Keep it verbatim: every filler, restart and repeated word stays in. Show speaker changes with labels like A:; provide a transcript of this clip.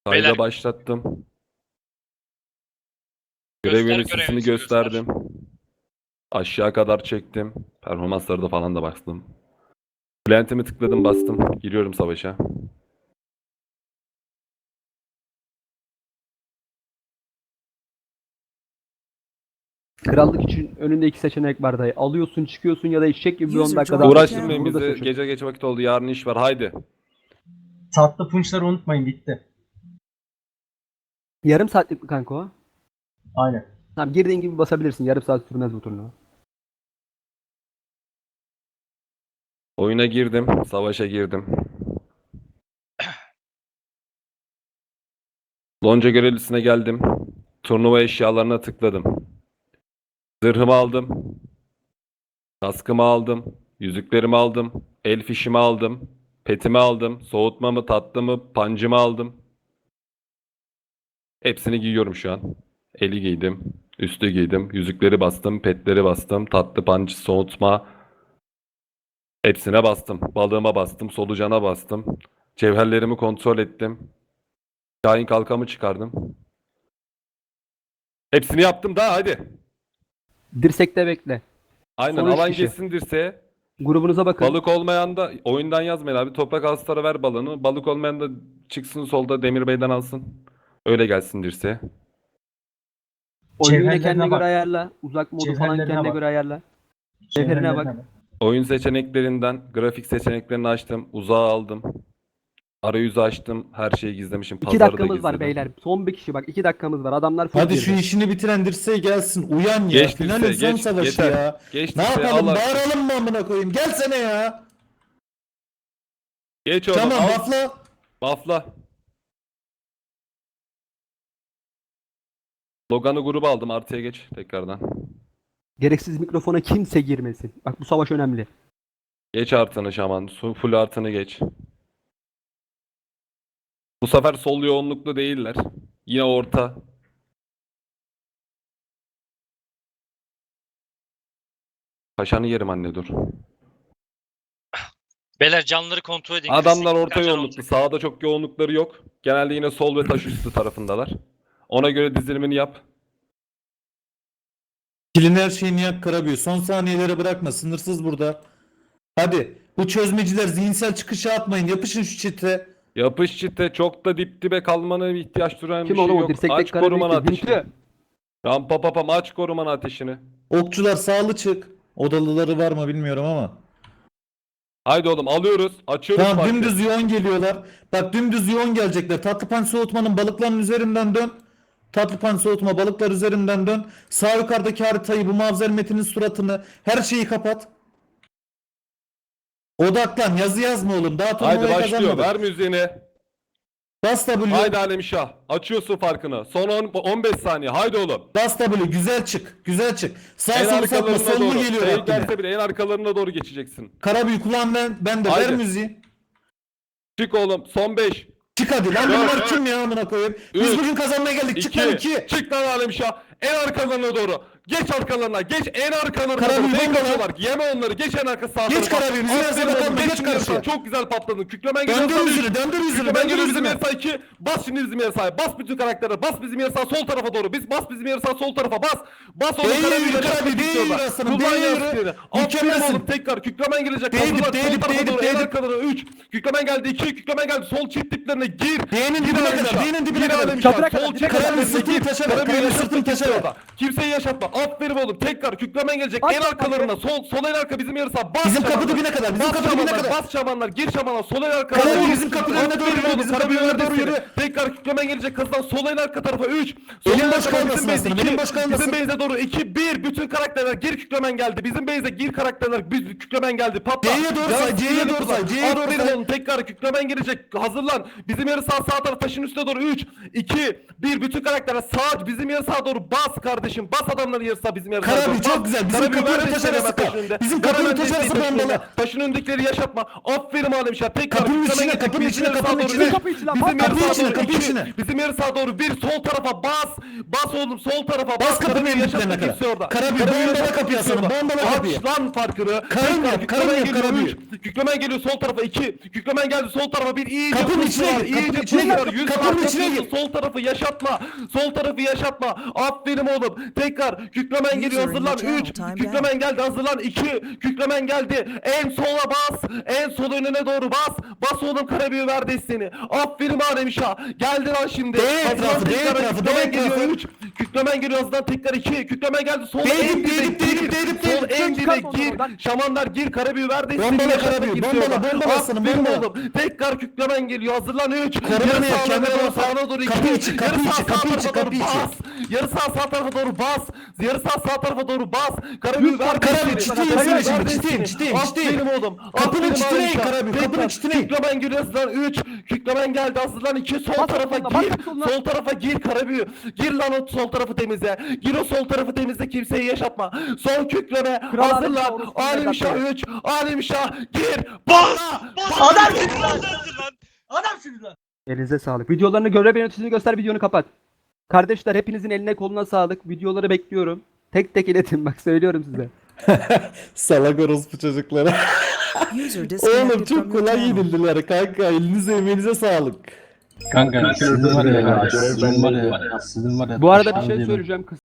A: Beyler.
B: Kayda başlattım. Görev
A: Göster,
B: yöneticisini
A: görev
B: gösterdim. Aşağı kadar çektim. Performansları da falan da bastım. Plantimi tıkladım, bastım. Giriyorum savaşa.
C: Krallık için önünde iki seçenek var dayı. Alıyorsun, çıkıyorsun ya da eşek gibi bir on
D: User
C: dakikada
D: joined.
B: Uğraştırmayın
C: Bunu da
B: bizi.
C: seçin.
B: Gece geç vakit oldu. Yarın iş var. Haydi.
E: Tatlı punçları unutmayın, bitti.
C: Yarım saatlik mi kanka o?
E: Aynen.
C: Tamam, girdiğin gibi basabilirsin. Yarım saat sürmez bu turnuva.
B: Oyuna girdim. Savaşa girdim. Lonca görevlisine geldim. Turnuva eşyalarına tıkladım. Zırhımı aldım. Kaskımı aldım. Yüzüklerimi aldım. El fişimi aldım. Petimi aldım. Soğutmamı, tatlımı, pancımı aldım. Hepsini giyiyorum şu an. Eli giydim. Üstü giydim. Yüzükleri bastım. Petleri bastım. Tatlı, panç, soğutma. Hepsine bastım. Balığıma bastım. Solucana bastım. Cevherlerimi kontrol ettim. Şahin kalkamı çıkardım. Hepsini yaptım daha, hadi.
C: Dirsekte bekle.
B: Aynen,
C: Son üç
B: alan
C: kişi.
B: geçsin dirseğe.
C: Grubunuza bakın.
B: Balık olmayan da oyundan yazmayın abi. Toprak Astar'a ver balığını. Balık olmayan da çıksın solda Demir Bey'den alsın. Öyle gelsin dirseğe.
C: Oyunu
E: Cevherlerine
C: kendine
E: bak.
C: göre ayarla. Uzak modu falan
E: Cevherlerine
C: kendine
E: bak.
C: göre ayarla. Cevherine
E: Cevherlerine
C: bak.
E: bak.
B: Oyun seçeneklerinden grafik seçeneklerini açtım. Uzağı aldım. Arayüzü açtım. Her şeyi gizlemişim.
C: İki
B: Pazarı da
C: dakikamız var
B: gizledim.
C: beyler. Son bir kişi bak. iki dakikamız var. Adamlar full
F: Hadi
C: girdi.
F: şu işini bitiren dirseğe gelsin. Uyan ya.
B: Geç
F: Finalin
B: dirseğe,
F: son
B: geç,
F: savaşı
B: yeter.
F: ya.
B: Geç
F: Ne
B: dirseğe,
F: yapalım?
B: al.
F: Bağıralım mı amına koyayım? Gelsene ya.
B: Geç oğlum,
F: Tamam
B: al.
F: lafla.
B: Buffla. Logan'ı gruba aldım. Artıya geç tekrardan.
C: Gereksiz mikrofona kimse girmesin. Bak bu savaş önemli.
B: Geç artını şaman. Su full artını geç. Bu sefer sol yoğunluklu değiller. Yine orta. Kaşanı yerim anne, dur.
A: Beyler canları kontrol edin.
B: Adamlar
A: Kırk
B: orta
A: sekiz
B: yoğunluklu.
A: olacak.
B: Sağda çok yoğunlukları yok. Genelde yine sol ve taş üstü tarafındalar. Ona göre dizilimini yap.
F: Kilin her şeyini yak Karabüyü. Son saniyelere bırakma. Sınırsız burada. Hadi. Bu çözmeciler zihinsel çıkışa atmayın. Yapışın şu çite.
B: Yapış çite, çok da dip dibe kalmana ihtiyaç duran
C: Kim
B: bir şey
C: oğlum o
B: yok.
C: dirsekteki
B: Aç
C: kara
B: koruman
C: büyüktü?
B: ateşini.
C: Hintli.
B: Rampa papam, aç koruman ateşini.
F: Okçular sağlı çık. Odalıları var mı bilmiyorum ama.
B: Haydi oğlum, alıyoruz. Açıyoruz
F: Tamam,
B: farkı.
F: dümdüz yoğun geliyorlar. Bak dümdüz yoğun gelecekler. Tatlıpan soğutmanın balıkların üzerinden dön. Tatlıpan soğutma balıklar üzerinden dön. Sağ yukarıdaki haritayı, bu mavzer metinin suratını, her şeyi kapat. Odaklan, yazı yazma oğlum. Daha
B: Haydi
F: turnuvayı
B: başlıyor.
F: kazanmadık.
B: Ver müziğini.
F: Bas W.
B: Haydi Alemşah. Açıyorsun farkını. Son on, on beş saniye. Haydi oğlum.
F: Bas W. Güzel çık. Güzel çık. Sağ
B: En
F: solu satma.
B: arkalarına
F: Sollu
B: doğru.
F: geliyor
B: Fake
F: hakkine.
B: gelse bile en arkalarına doğru geçeceksin.
F: Karabüyü kulağım ben, ben de.
B: Haydi.
F: Ver müziği.
B: Çık oğlum. Son beş.
F: Çık hadi lan,
B: Dört,
F: bunlar kim ya amına koyayım? Biz
B: üç,
F: bugün kazanmaya geldik. Çık lan
B: iki.
F: iki.
B: Çık lan Alemşah. En arkalarına doğru. Geç arkalarına. Geç en arkalarına
F: Karabük
B: doğru. Fake
F: bomba lan.
B: atıyorlar. Yeme onları. Geç en arka sağ
F: Geç
B: tarafa.
F: Karabük, bizim
B: Aferin
F: yarısı
B: oğlum,
F: bakalım, geç
B: bizim
F: karşıya.
B: yarısı. Çok güzel patladın. Küklemen geliyor.
F: Döndür
B: sana üç.
F: yüzünü, döndür yüzünü,
B: Küklemen
F: döndür
B: geliyor bizim
F: yüzünü.
B: yarısa iki. Bas şimdi bizim yarısa. Bas bütün karaktere. Bas bizim yarısa sol tarafa doğru. Biz bas bizim yarısa sol tarafa. Bas. Bas oğlum.
F: Değil
B: Karabük'e
F: yürü,
B: çarpma
F: Karabük, değil
B: gidiyorlar.
F: yürü aslanım,
B: Kullan
F: değil yürü.
B: yarısını. Aferin
F: Mükemmelsin.
B: oğlum, tekrar. Küklemen gelecek.
F: Değdip,
B: Hazırlan. Sol
F: değdip,
B: tarafa
F: değdip,
B: doğru. En
F: değdip.
B: arkalarına üç. Küklemen geldi iki. Küklemen geldi. Sol çift diplerine gir.
F: Değinin
B: Gir
F: dibine
B: Alemşah.
F: kadar, değinin dibine
B: Gir
F: kadar.
B: Alemşah.
C: Çatıra kadar,
B: Sol
C: dibine
B: çift
C: kadar.
F: Karabük
B: diplerine
F: sırtını
B: gir.
F: taşa ver,
B: Karabük'e
F: Karabük
B: yaşatma
F: sırtını taşa ver.
B: orada. Kimseyi yaşatma. Aferin oğlum. Tekrar küklemen gelecek.
C: Bas
B: En
C: lan
B: arkalarına. Sol sol en arka bizim yarısa. Bas
F: Bizim kapı
B: şamanlar.
F: dibine kadar, bizim
B: Bas
F: kapı dibine
B: şamanlar,
F: kadar.
B: Bas şamanlar. Gir şamana. Sol en arkalarına.
F: Karabük
B: doğru.
F: bizim kapının önüne doğru
B: Aferin
F: yürü,
B: oğlum,
F: bizim
B: Karabük'e
F: kapının önüne doğru
B: yürü.
F: yürü.
B: Tekrar küklemen gelecek. Kızdan sol en arka tarafa üç. Sol
F: Elin
B: en
F: boş
B: arka
F: kalmasın
B: bizim base
F: aslanım,
B: iki.
F: elin boş kalmasın.
B: Bizim base'e doğru iki bir. Bütün karakterler gir, küklemen geldi. Bizim base'e gir karakterler. Biz küklemen geldi. Patla.
F: C'ye doğru say,
B: Yansın,
F: C'ye
B: yeni
F: doğru
B: kutular.
F: say, C'ye doğru
B: Aferin
F: say.
B: oğlum, tekrar küklemen gelecek. Hazırlan. Bizim yarı sağ sağ taraf taşın üstüne doğru üç iki bir. Bütün karakterler sağ bizim yarı sağa doğru bas kardeşim. Bas adamların yarı sağ bizim yarı sağa
F: Karabük
B: doğru.
F: çok
B: Bas.
F: güzel. Bizim
B: Karabük
F: kapının
B: ver
F: taş
B: desteğini
F: arası
B: hemen
F: kal.
B: taşın önünde.
F: Bizim
B: Ver
F: kapının
B: hemen
F: taş
B: desteği
F: arası
B: taşın önünde.
F: bombalı.
B: Taşın önündekileri yaşatma. Aferin Alemşah. Tekrar
F: Kapının
B: küklemen
F: içine,
B: gelecek.
F: kapının
B: Bizim
F: içine,
B: yarı sağa
F: kapının
B: doğru
F: içine.
B: üç.
C: Kapı içine,
B: Bizim
C: kapı
B: yarı sağa
F: içine,
B: doğru
F: kapının kapı
B: iki.
F: içine.
B: Bizim yarı sağa doğru bir. Sol tarafa bas. Bas oğlum sol tarafa.
F: Bas kapının
B: Karabüyü
F: önüne
B: yaşatma
F: kadar.
B: kimse orada.
F: Karabüyü,
B: Karabüyü
F: bombala
B: yaşatma
F: kapıyı
B: kimse
F: aslanım,
B: orada.
F: bombala kapıyı.
B: Aç lan farkını.
F: Karın
B: Tekrar
F: yap,
B: Kükremen
F: karın yap,
B: geliyor
F: Karabüyü.
B: üç. Kükremen geliyor sol tarafa iki. Kükremen geldi sol tarafa bir. İyice
F: Kapının
B: push
F: içine
B: var,
F: gir, kapının
B: iyice
F: içine
B: push
F: gir,
B: var. Yüz
F: kapının
B: var,
F: içine
B: kapıyorsun.
F: gir.
B: Sol tarafı yaşatma. Sol tarafı yaşatma. Aferin oğlum. Tekrar Kükremen geliyor
A: User in
B: hazırlan.
A: your channel
B: üç.
A: timed
B: Kükremen geldi hazırlan. iki. Kükremen geldi. En sola bas. En sol önüne doğru bas. Bas oğlum Karabüyü ver desteğini. Aferin Alemşah. Geldi lan şimdi.
F: D
B: Hazırlan
F: etrafı, D
B: tekrar.
F: etrafı, D
B: Kükremen geliyor
F: etrafı.
B: üç. Kükremen geliyor hazırlan tekrar iki. Kükremen geldi. Sol
F: Değdim,
B: en dibe
F: değdim, değdim,
B: gir.
F: değdim,
B: Sol
F: değdim.
B: en
C: Çıkar
B: dibe
C: ondan
B: gir.
C: oradan.
B: Şamanlar gir Karabüyü ver desteğini.
F: Bombala
B: Yaşatma
F: Karabüyü,
B: kimse
F: bombala,
B: orada.
F: bombala aslanım,
B: Aferin
F: bombala.
B: oğlum. Tekrar Kükremen geliyor hazırlan üç.
F: Korumana
B: Yarı
F: yap,
B: sağına
F: kendine
B: doğru
F: bak.
B: sağına doğru iki.
F: Kapı içi, kapı
B: Yarı sağ
F: içi,
B: sağ
F: kapı içi,
B: tarafa doğru
F: kapı içi.
B: bas. Yarı sağ sağ tarafa doğru bas. Yarı sağ sağ tarafa doğru bas. Karabüyü
C: Yüz
B: ver
C: var,
F: Karabüyü,
B: desteğini.
F: çiteyim,
B: Karabüyü
F: seni
B: ver
F: şimdi, çiteyim,
B: desteğini.
F: çiteyim, çiteyim.
B: Aferin oğlum.
F: Kapının
B: Aferin
F: çitine in
B: Alemşah.
F: Karabüyü,
B: Tekrar
F: kapının çitine in.
B: Kükremen geliyor hazırlan üç. Kükremen geldi hazırlan iki. Sol
C: Bas
B: tarafa
C: soluna, bas
B: gir.
C: soluna.
B: Sol tarafa gir Karabüyü. Gir lan o sol tarafı temizle. Gir o sol tarafı temizle kimseyi yaşatma. Sol kükreme
C: Kral Alemşah,
B: hazırlan.
C: orospu
B: Alemşah
C: evlatları.
B: üç. Alemşah gir. Bas.
E: Adam şimdi lan. Adam şimdi lan.
C: Elinize sağlık. Videolarını göre yöneticisini göster, videonu kapat. Kardeşler hepinizin eline koluna sağlık. Videoları bekliyorum. Tek tek iletin bak söylüyorum size.
F: Salak orospu çocukları.
A: User
F: Oğlum
A: disconnected
F: çok
A: from your
F: kolay
A: channel.
F: yenildiler kanka. Elinize emeğinize sağlık.
D: Kanka sizin var ya, sizin var ya, sizin var ya.
C: Bu arada bir
D: aşağıda
C: şey
D: bir-
C: söyleyeceğim.